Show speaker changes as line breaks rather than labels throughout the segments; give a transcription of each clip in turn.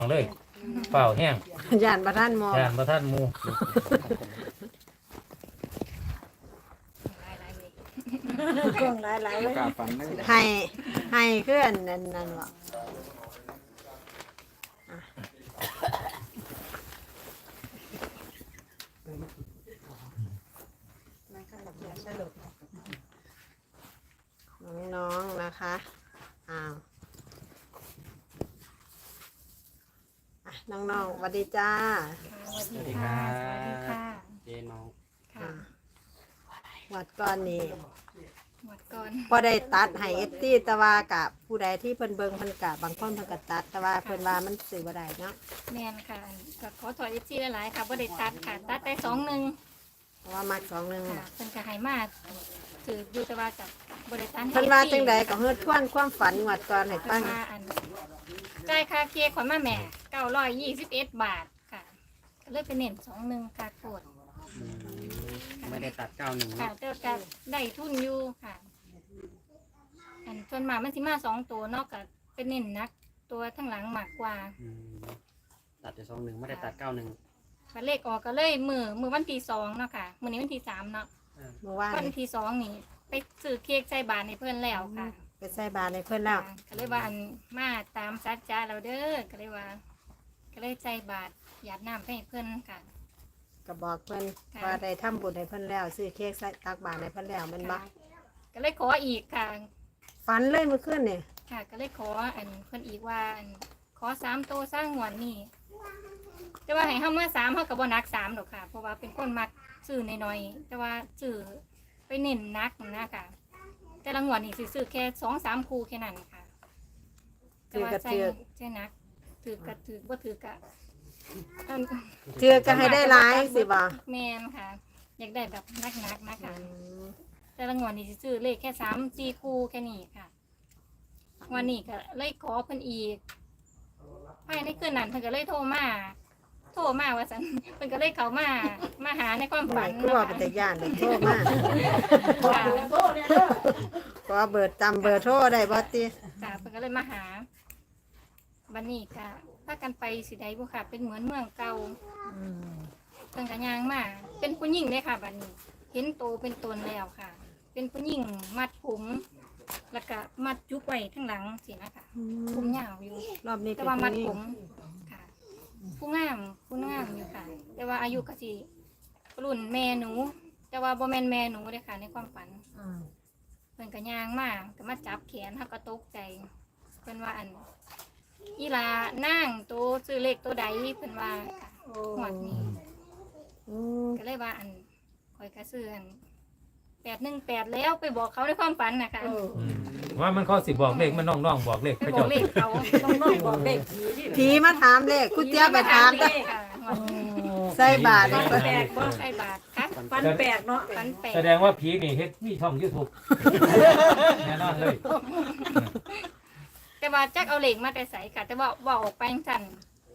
เลยเปล่าแห้ง
ย่านประท่านมอง
ยานประท่านหมู
กล้องหลายๆเลย
กล้าฟันเลย
ให้เคลื่อนนั่นหรอน้องๆนะคะอ้าวน้องๆสวัสดีจ้า
สวัสดีค่ะสวัสดีค่ะ
เจน้อง
ค่ะ
วัดก่อนนี้
หมดก่อน
พอได้ตัดให้เอฟซีแต่ว่ากับผู้ใดที่เพิ่นเบิ่งเพิ่นกะบางคนเพิ่นก็ตัดแต่ว่าเพิ่นว่ามันสื่อบ่ได้เนาะ
แมนค่ะก็ขอถอยเอฟซีหลายๆค่ะบ่ได้ตัดค่ะตัดได้2-1
เพราะว่ามัก2-1
ค่ะเพิ่นก็ให้มาถืออยู่แต่ว่ากับบ่ได้ตัดให้
เพิ่นว่าจังใดก็เฮ็ดทวนความฝันงวดก่อนให้
เพิ่
ฟั
น
ง
มาจ่ายค่าเค้กขวัญมาแม่921 บาทค่ะก็เลยไปเน้น2-1ค่ะโคตร
ไม่ได้ตัด91
ค่ะแต่ก็ได้ทุนอยู่ค่ะส่วนมากมันสิมา2ตัวเนาะก็เป็นเน้นนักตัวทั้งหลังมากกว่า
ตัดแต่21ไม่ได้ตัด91
ก็เลขออกก็เลยมือวันที่2เนาะค่ะมื้อนี้วันที่3เนาะ
เมื่อวาน
วันที่2นี่ไปซื้อเค้กใส่บาตรให้เพื่อนแล้วค่ะ
ไปใส่บาตรให้เพิ่นแล้ว
ก็เลยว่าอันมาตามสัจจะเราเด้อก็เลยว่า ก็เลยใจบาตรหยาดน้ำให้เพื่อนค่ะ
ก็บอกเพิ่น
ค่ะ
ว่าได้ทำบุญให้เพิ่นแล้วซื้อเค้กใส่ตักบาตรให้เพิ่นแล้วแมันบ่
ก็เลยขออีกค่ะ
ฝันเลยเมื่อคืนนี่
ค่ะ ก็เลยขออันเพื่อนอีกว่าอันขอ3โตวสร้างงวดนี่แต่ว่าให้เฮาเมื่อ3เฮาก็บ่นัก3ดอกค่ะ เพราะว่าเป็นคนมักซื้อน้อยๆแต่ว่าซื้อไปเน้นนักนะค่ะ แต่ละงวดนี่สิซื้อแค่2-3คู่แค่นั้นค่ะ แต่ว่าใช่นักถือกะถือบ่ถือกะอัน
เทื่อก็ให้ได้หลายสิบ่
แมนค่ะ อยากได้แบบนักๆนะคะแต่ละงวดนี่สิซื้อเลขแค่3-4คู่แค่นี้ค่ะวันนี้ก็เลยขอเพิ่นอีกภายในคืนนั้นเพิ่นก็เลยโทรมาว่าซั่นเพิ่นก็เลยเข้ามาหาในความ
ห
ฝั
ลาย
น
คือว่า
เนาะ
เป็น
ค่ะ
ตาย่านเลยโทรมา
ค่ะ
ขอเบอร์จำเบอร์โทรได้บ่ติ
จ้ะเพิ่นก็เลยมาหาบัดนี้ก็พากันไปสิใดบ่ค่ะ เป็นเหมือนเมืองเก่า เพิ่นก็ย่างมาเป็นผู้หญิงเลยค่ะบัดนี้ เห็นโตเป็นตนแล้วค่ะ เป็นผู้หญิงมัดผมแล้วก็มัดจุกไว้ทั้งหลังสินะคะผมยาวอยู่
รอบนี้
แต่
เป็น
ว่ามัด
ผู้หญิ
ผ
ง
มค่ะ ผู้งามอยู่ค่ะ แต่ว่าอายุก็สิรุ่นแม่หนู แต่ว่าบ่แม่นแม่หนูเด้อค่ะ ในความฝันเพิ่นก็ย่างมาก็มาจับแขนเฮาก็ตกใจเพิ่นว่าอันอีหลานางโตซื้อเลขตัวใดเพิ่นว่าค่ะหวดนี้
อืม
ก็เลยว่าอันคอยกระเสื่อน818แล้วไปบอกเขาในความฝันนะคะ
ว่ามันเขาสิบอกเลขมันน้องๆบอกเลข
ไป
พระ
บอก
เจ้า
เลขเขา
น้องๆบอกเด็ก
ผีมาถามเลขคุณเตี้ยไปถาม
เลขค่ะ
ใส่บาตร
ฝัน
ให้เพิ่น
แปลกบ่ใช่บาทค่ะ
ฟันแปลกเนาะ
ฝันแปลก
แสดงว่าผีนี่เฮ็ดมีช่อง YouTube แน่นอนเลย
แต่ว่าจักเอาเลขมาแต่ใส่ค่ะ แต่ว่าบอกออกไปสั่น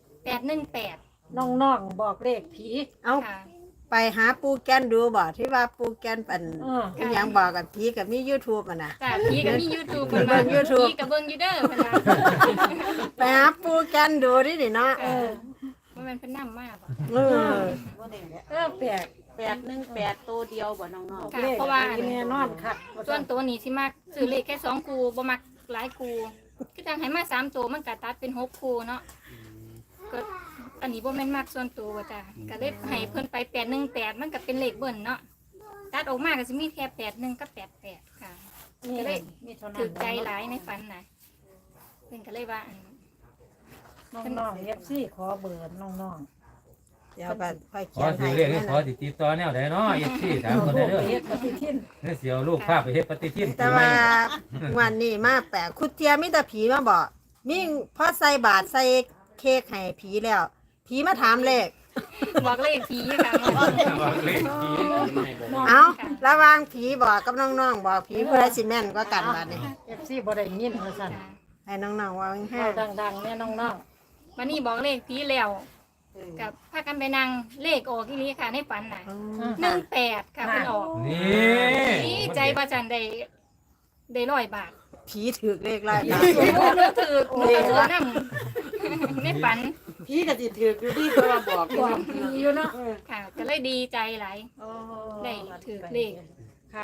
818
น้องๆบอกเลขผี
เอา
ค่ะ
ไปหาปูแกนดูบ่ที่ว่าปูแกนเป็น
เออ
อหยังบอกกับผีกับมี YouTube อ่ะนะ
จ้ะพี่ก็มี YouTube
เบิ่ง YouTube
พี่ก็เบิ่งอยู่เด้อเพิ่นว่า
ไปหาปูแกนดูดินี่เนาะ
ว่ามันเป็นน้ำมากบ่
เออ
แปลก
818ตัวเดียวบ่น้อง
ค่ะ
เลข
เพราะว่า
แน่นอนค่ะ
ส่วนตัวนี้สิมักซื้อเลขแค่2คู่บ่มักหลายคู่คือจังให้มา3ตัวมันก็ตัดเป็น6คู่เนาะ ก็อันนี้บ่แม่นมากส่วนตัวจ้ะก็เลยให้เพิ่นไป818มันก็เป็นเลขเบิ่นเนาะตัดออกมาก็สิมีแค่81กับ88ค่ะ
นี่
ก็เลย
มีเท่านั้น
ถือใจหลายในฝันน่ะเพิ่นก็เลยว่าอัน
น้องๆเอฟซีขอเบอร์น้อง
เดี๋ยวก็ค่อย
ข
เขี
อย
น
สิ
ให้
เรียกให้ขอสิติดต่อแนวใดเนาะ FC ถามคนได้เด้อ
เฮ็ดปฏิทิน
เด้อสิเอาลูกพาไปเฮ็ดปฏิทิน
แต่ว่าวันนี้มาแปลกคุณเตี้ยมีแต่ผีมาบอกมีพอใส่บาตรใส่เค้กให้ผีแล้ว ผีมาถามเลข
บอกเลขผีค่ะ
บอกเลขผี
เอาระหว่างผีบอกกับน้องๆบอกผีผู้ใดสิแม่นกว่ากันบัดนี้
เอฟซีบ่ได้ยินว่าซั่น
ให้น้องๆว่าแห้
เอาดังๆแน่น้อง
วันนี้บอกเลขผีแล้วกับพากันไปนั่งเลขออกอีหลีค่ะในฝันน่ะ18ค่ะเพิ่นออก
นี่
ดีใจว่าจันได้100 บาท
ผีถือเลขไร
หนูถือหนูก็ถือนำในฝัน
พี่ก็สิถืออยู่ดีเพราะว่าบอก
บอกผีอยู่เนาะ
ค่ะ ก็เลยดีใจหลาย
โอ้
ได้ถือเลข
ค่ะ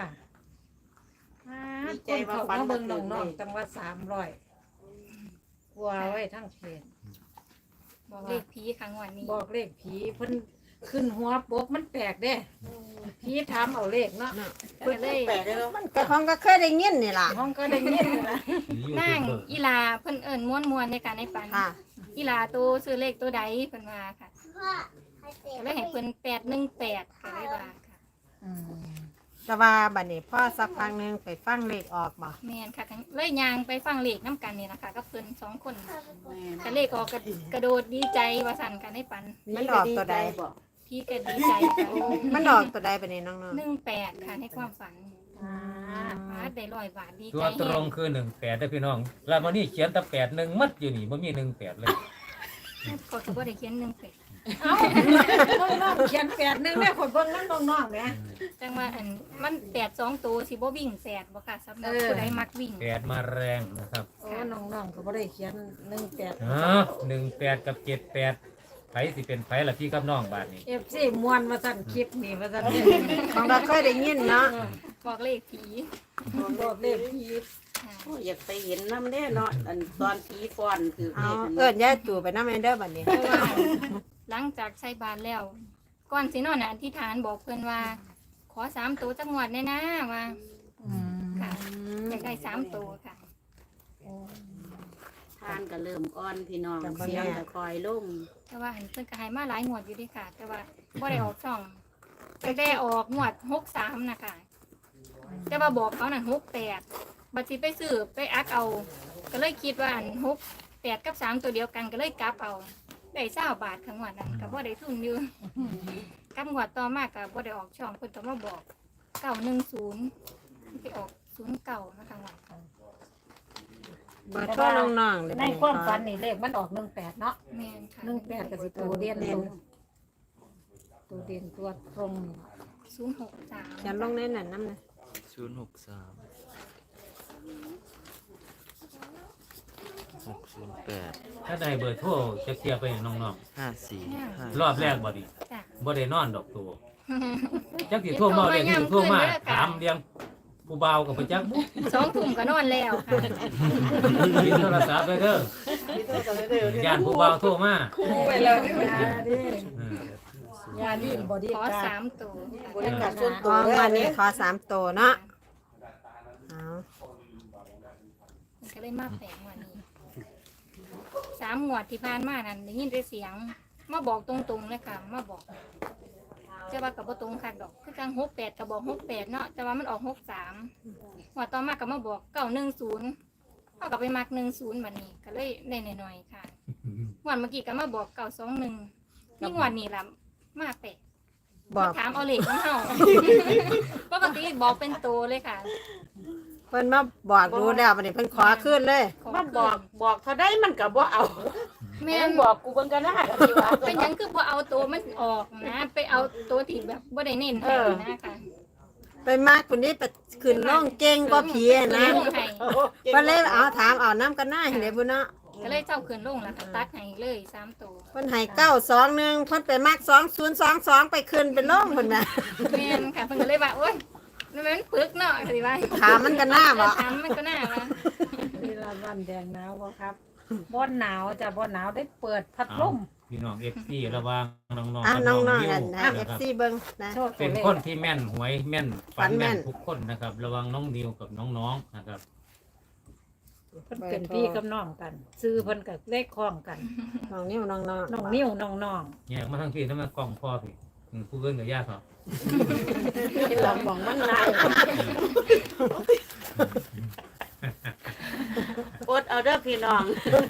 คนเขามาเบิ่งน้องๆจังว่า300กลัวไว้ทั้งเขต
บอกเลขผีครั้งวันนี้
บอกเลขผีเพิ่นขึ้นหัวปกมันแปลกเด้ผีถามเอาเลขเนาะ
ก็เลย
แปลกเลยเนาะ
มันก็ของก็เคยได้ยินนี่ล่ะ
ห้องก็ได้ยินนะ
นั่งอีลาเพิ่นเอิ้นม้วนๆในการในฝัน
ค่ะ
อีลาตัวซื้อเลขตัวใดเพิ่นว่าค่ะก็เลยให้เพิ่น818ก็เลยว่าค่ะ
อืม
แต่ว่าบัดนี้พ่อสักพักหนึงไปฟังเลขออกบ่
แม่นค่ะเลยยางไปฟังเลขน้ำกันนี่นะคะกับเพิ่น2 คน
แม่
ก็เลขออกกระโดดดีใจว่าสั่นกันในฝัน
มันออกตัวใด
บอก
พี่ก็ดีใจค่ะ
มันออกตัวใดบัดนี้น้อง
18ค่ะในความฝัน
อ่า
ฟาดได้100 บาทดี
ตั
ใจ
วตรงคือ18ได้อพี่น้องแล้ววันนี้เขียนแต่81มัดอยู่นี่บ่มี18เลย
เขาก็บ่ได้เขียน18
เอ้าน้องๆเขียน8นึงแม่คนเบิ่งนั้นน้องๆแหม
จังว่าอันมัน8 2ตัวสิบ่วิ่ง8บ่ค่ะสำหรับผู้ใดมักวิ่ง
8มาแรงนะครับ
โอ้น้องๆก็บ่ได้เขียน18
อ๋อ18กับ78ไผสิเป็นไผล่ะพี่กับน้องบาดนี้
FC ม่วนมาสั่นคลิปนี่ว่าสั่น
ๆของก็เคยได้ยินเนาะ
บอกเลขผี
บอกเลขผี
ค่ะ
โอ้ยอยากไปเห็นน้ำแน่เนาะอันตอนผีฟ้อนคือ
เอา
เลข
เอิ้นยายตู่ไปนำเด้อบัดนี้
เพราะว่าหลังจากใช้บาทแล้ว ก่อนสินอนน่ะอธิษฐานบอกเพื่อนว่า ขอ3 ตัวจังหวัดแน่นะว่า
อืม
ค่ะอยากได้3 ตัวค่ะ
ทานก็เริ่มอ่อนพี่น้องเสียงก็คอยลง
แต่ว่าเห็นเพิ่นก็ให้มาหลายงวดอยู่เดีค่ะ แต่ว่าบ่ได้ออกช่องแต่ได้ออกงวด63นะคะแต่ว่าบอกเขานั่น68บัดสิไปซื้อไปอักเอา ก็เลยคิดว่าอัน68กับ3ตัวเดียวกันก็เลยกลับเอาได้20 บาทครั้งวันนั้นก็บ่ได้ทุนอยู่กับงวดต่อมาก็บ่ได้ออกช่องเพิ่นก็มาบอก910ไปออก09นะคะวัน
เบอร์โทรน้องๆเลย
ในความฝันนี่เลขมันออก18เนาะ
แม่นค่ะ
18ก็สิตัวเด่นตัวเด่นตัวตรง
063
เขียนลงในนั้นนำนะ
063 608
ถ้าได้เบอร์โทรจะเคลียร์ไปให้น้อง
54
ๆรอบแรกบ่ดี
จ้ะ
บ่ได้นอนดอกตัวจักสิโทรมาเรียกสิโทรมาถามเรียงผู้บ่าวกับประจักษ์
2 ทุ่มก็นอนแล้วค่ะ
ปิดโทรศัพท์ไปเด้อย่านผู้บ่าวโทรมา
ไปแล้วนี่
嗯
ยาดีบอดี้
ขอ
การ
3 ตัว
บริการส่วนตั
อ๋
ว
อวันนี้ขอ3ตัวเนาะเอา
มันก็เลยมาแปลกกว่านี้3 งวดที่ผ่านมานั้นได้ยินแต่เสียง มาบอกตรงๆเลยค่ะ มาบอกแต่ว่ากับบ่ตรงค่ะดอก คือจัง68ก็บอก68เนาะ แต่ว่ามันออก63งวดต่อมาก็มาบอก910เฮาก็ไปมัก10บัดนี้ ก็เลยได้หน่อยๆค่ะงวดเมื่อกี้ก็มาบอก921นี่งวดนี้ล่ะมาแปลก
บอก
ถามเอาเลขของเฮา ปกติบอกเป็นตัวเลยค่ะ
เพิ่นมาบอกดูแล้วบัดนี้เพิ่นขอขึ้นเลย
มาบอกเท่าได้มันก็บ่เอา
แม่
แม่
น
นบอกกูเบิ่งกันนะดีว่า
เป็นหยังคือพอเอาตัวมันออกนะ ไปเอาตัวที่แบบบ่ได้เน้นให้นะคะ
ไปมากคนนี้ไปขึ้นน้องเก่งกว่าผีอะนะ
ลงให้
เพิ่นเลยเอาถามเอาน้ำกันหน้าให้ได้บ่เนาะ
ก็เลยเจ้าขึ้นลงแล้วก็ตัดให้เลย3ตัว
เพิ่นให้921เพิ่นไปมัก2022ไปขึ้นเป็นร่องเพิ่นน่ะ
แม่นค่ะเพิ่นก็เลยว่าโอ๊ยมันปึกเนาะสิว่า
ถามมันกันหน้าบ่
ถามมันก็น่าว่า
เวลาวันแดงหนาวบ่ครับบ่หนาวจ้ะบ่หนาวได้เปิดพัดลม
พี่น้อง FC ระวังน้องๆ
อ่ะ
กับ
น้
น้
อ
อง ง
ๆ
นิว
กันให้
นะครับ
FC เบิ่งนะ
โชว์ตั
เป็
วน เลข
คนที่แม่นหวยแม่นฝัน
ฝันแม่
แม่
น
นทุกคนนะครับ ระวังน้องนิวกับน้องๆนะครับ
เพิ่นเป็นพี่กับน้องกัน ซื้อเพิ่นก็เลขคล้องกัน
น้องนิ้วน้องๆ
น้องนิ้วน้อง
แยกมาทั้งพี่ทั้งมากล้องพ่อพี่ผู้เกินกับญาติเขา
ที่หลังบอกมันนายอดเอาเด้อพี่น้อง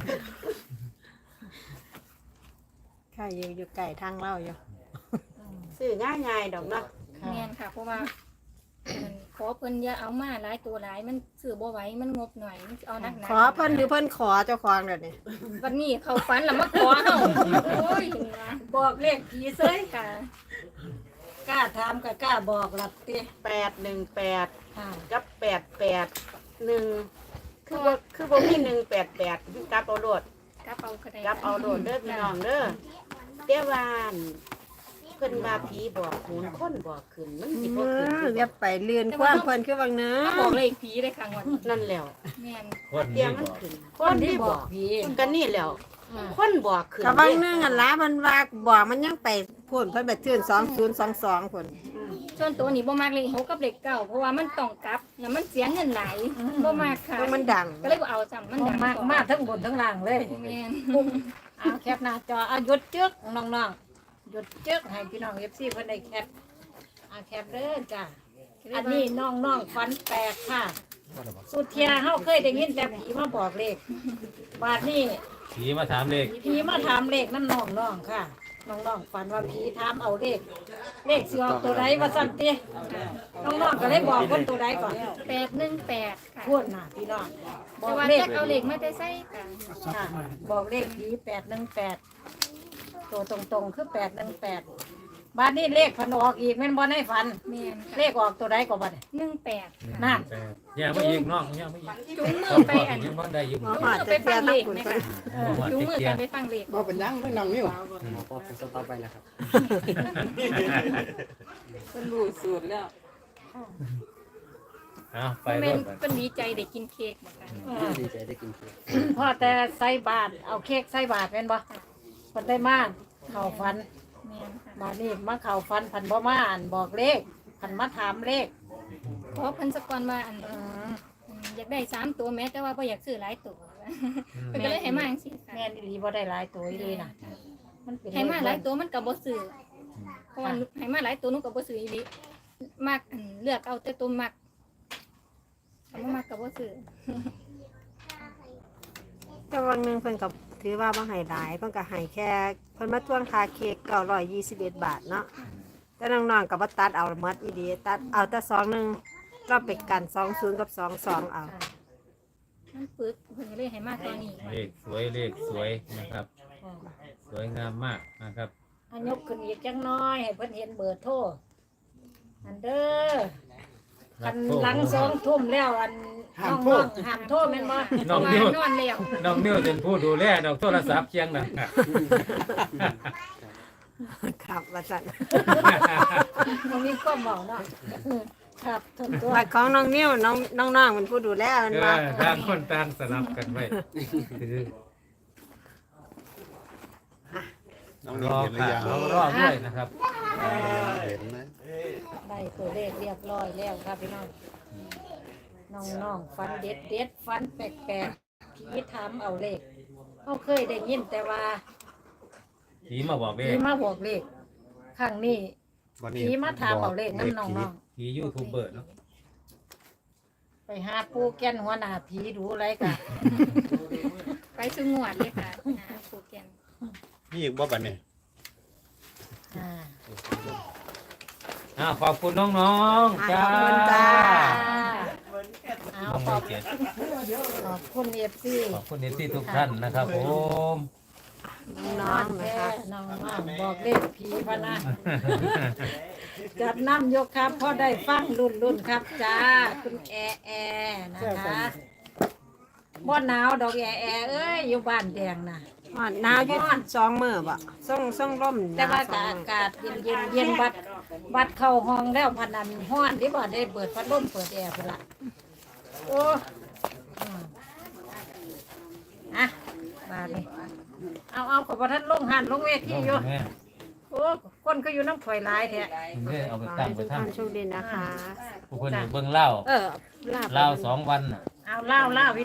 ใครอยู่ไกลทางเราอยู่
ซื้อง่ายๆดอกเนาะ
ๆ
แม่นค่ะ เพราะว่าขอเพิ่นอย่าเอามาหลายตัวหลายมันซื้อบ่ไหวมันงบหน่อยมันเอานักหนา
ขอเพิ่นหรือเพิ่นขอเจ้าของเดี๋ยวนี้
วันนี้เขาฝันแล้วมาขอเฮาโอ้ยนี่ว่า
บอกเลขผีเซย
ค่ะ
กล้าถามก็กล้าบอกหลับติ
818
ค่ะ
กับ881คือบ่มี188กลับเอาโลด
กลับเอาก็ได้
รับเอาโดดเด้อพี่น้องเด้อเตี้ยวานเพิ่นว่าผีบอกโหนคนบอกขึ้นมันสิบ่ขึ้นอยู่
อย่าไปเลื่อนความเพิ่นคือวังเนื้อ
มาบอกเลขผีเลยค่ะงวดนี้
นั่นแล้ว
แม่น
คน
เตีย
นี้
งมัน
บอก
ขึ้น
คนที่บอกผี
กันนี่แล้วคนบอกขึ้น
กับวังเนื้ออันละมันว่าบอกมันยังไปพ่นเพิ่นไปเทื่อน2022พุ่น
ส่วนตัวนี้บ่มักเลข6กับเลข9เพราะว่ามันต้องกลับแล้วมันเสียเงินหลายบ่มักค่ะ
เพราะมันดัง
ก็เลยบ่เอาซ้ำมันดัง
มากทั้งบนทั้งล่างเลย
แม่น
เอาแคปหน้าจอเอาหยุดจึกน้องๆหยุดจึกให้พี่น้อง FC เพิ่นได้แคปเอาแคปเด้อจ้ะอันนี้น้องๆฝันแปลกค่ะ สุดเทียเฮาเคยได้ยินแต่ผีมาบอกเลขบาดนี้
ผีมาถามเลข
ผีมาถามเลขนั่นน้องๆค่ะน้องๆฝันว่าผีถามเอาเลขสิออกตัวใดว่าซั่นติน้องๆก็เลยบอกเพิ่นตัวใดก่อน
818ค่ะ
พูดน่ะพี่น้องบ
แต่
อก
ว่า
เลข
จักเอาเลขมาแต่ใส่ค่ะ
ค่ะบอกเลขผี818ตัวตรงๆคือ818บ้านนี้เลขพันออกอีกแม่นบ่ในฝัน
แม่น
เลขออกตัวใดก็บ่ได้
18
นั่น
ย่างไม่ยิงน้องย่างไม่ยิง
จุงมื
ต้
อ
อง
ไป
บอก
อัน
ยังบ่ได้อยู่
หมอหอดจะเทียทั้งคุณเพิ่น
จุงมือกันไปฟังเลข
บ่เป็นหยังไม่นั่งนิ้ว
หมอก็เป็นสต็อปไปแล้วครับ
เป็นรู้สูตรแล้ว
เอาไป
แม่
ร
น
ถ
เพิ่นดีใจได้กินเค้กเหมือนกัน
ดีใจได้กินเค้ก
พอแต่ใส่บาทเอาเค้กใส่บาทแม่นบ่เพิ่นได้มาเข้าฝัน
แม่นค่ะ
บาดนี้มาเข้าฝันพันบ่มาอ่านบอกเลขพันมาถามเลข
เพราะเพิ่นสะก่อนว่าอัน
อืม
อยากได้3ตัวแม้แต่ว่าบ่อยากซื้อหลายตัวเพิ่นก็เลยให้มาจังซี่ค่ะ
แม่นอีหลีบ่ได้หลายตัวอีหลีน่ะมันเป็น
ให้มาหลายตัวมันก็บ่ซื้อเพราะว่าให้มาหลายตัวหนูก็บ่ซื้ออีหลีมักอันเลือกเอาแต่ตัวมักถ้าบ่มักก็บ่ซื้อ
แต่วังหนึงเพิ่นก็ถือว่าบ่ให้หลายเพิ่นก็ให้แค่เพิ่นมาทวงค่าเค้ก921 บาทเนาะแต่น้องๆก็บ่ตัดเอาหมดอีดีตัดเอาแต่21เราไปกัน20กับ22เอา
มันปึกเพิ่นก็เลยให้มาตัวนี้
เลขสวยเลขสวยนะครับ สวยงามมากนะครับ
อันยกขึ้นอีกจังน้อยให้เพิ่นเห็นเบอร์โทรอันเด้ออันหลัง2 ทุ่มแล้วอันน้องๆห้ามโทรแม่นบ่
เพ
น้อง
ราะว่า
นิ้วน
อนแล้ว
น้องนิ้วเป็นผู้ดูแลน้องโทรศัพท์เคียงนะ
ครับว่าซั่น
มันมีความเว้าเนาะครับทนตัว
บัตรของน้องนิ้วน้องๆเป็นผู้ดูแลมัน
เอ
ว่า
อต่างคนต่างสลับกันไว้คือ
น้อง
ร
นี่
อ
เห็นหรือ
ค่ะ
ยัง
เรารอด้วยนะครับ
เห็นไหม
ได้ตัวเลขเรียบร้อยแล้วครับพี่น้องน้องๆฟันเด็ดฟันแปลกๆผีถามเอาเลขเขาเคยได้ยินแต่ว่า
ผีมาบอกเล
ผี
ข
มาบอกเลขครั้งนี้
วันนี้
ผีมาถามเอาเลขน้ำน้อง
ผียูทูบเบอร์เนาะ
ๆไปหาปูแก่นหัวหน้าผีดูอะไรกัน
ไปซื้องวดเลยค่ะปูแกน
นี่อีกบ่บัดนี้
ขอบคุณน้องๆจ้า
ขอบคุณจ้า
เอา
น้อง
ขอบ
เกียรติ
ขอบคุณเอฟซี
ขอบคุณที่ทุกท่านนะครับผม
น้องๆนะคะ
น้องๆบอกเลขผีพะนะจับน้ำยกครับพอได้ฟังรุ่นครับจ้าคุณแอนะคะบ่หนาวดอกแอเอ้ยอยู่บ้านแดงน่ะ
อ๋อหนาวอยู่2มื้อบ่ส่งร่ม
แต่ว่า
หน
อาว
2มื้อ
กาศเย็นบัดเข้าห้องแล้วพนันห้อนที่บ่ได้เปิดพัดลมเปิดแอร์พุ่นละโอ้อืมอ่ะบาดนี้เอาขอบท่านลงหันลงเวทีอยู่
แม่
โอ้คนก็อยู่น้ำถอยหลายแท้
นี่เอาไป
ขอ
ตั้ง
ให้
ไป
ทุก
ทั้ง
ท่านโชคดีนะคะ
ผู้คนอยู่เบื้องเล่า
ลาบ
เล่า2 วันน่ะ
เอาเล่าพี่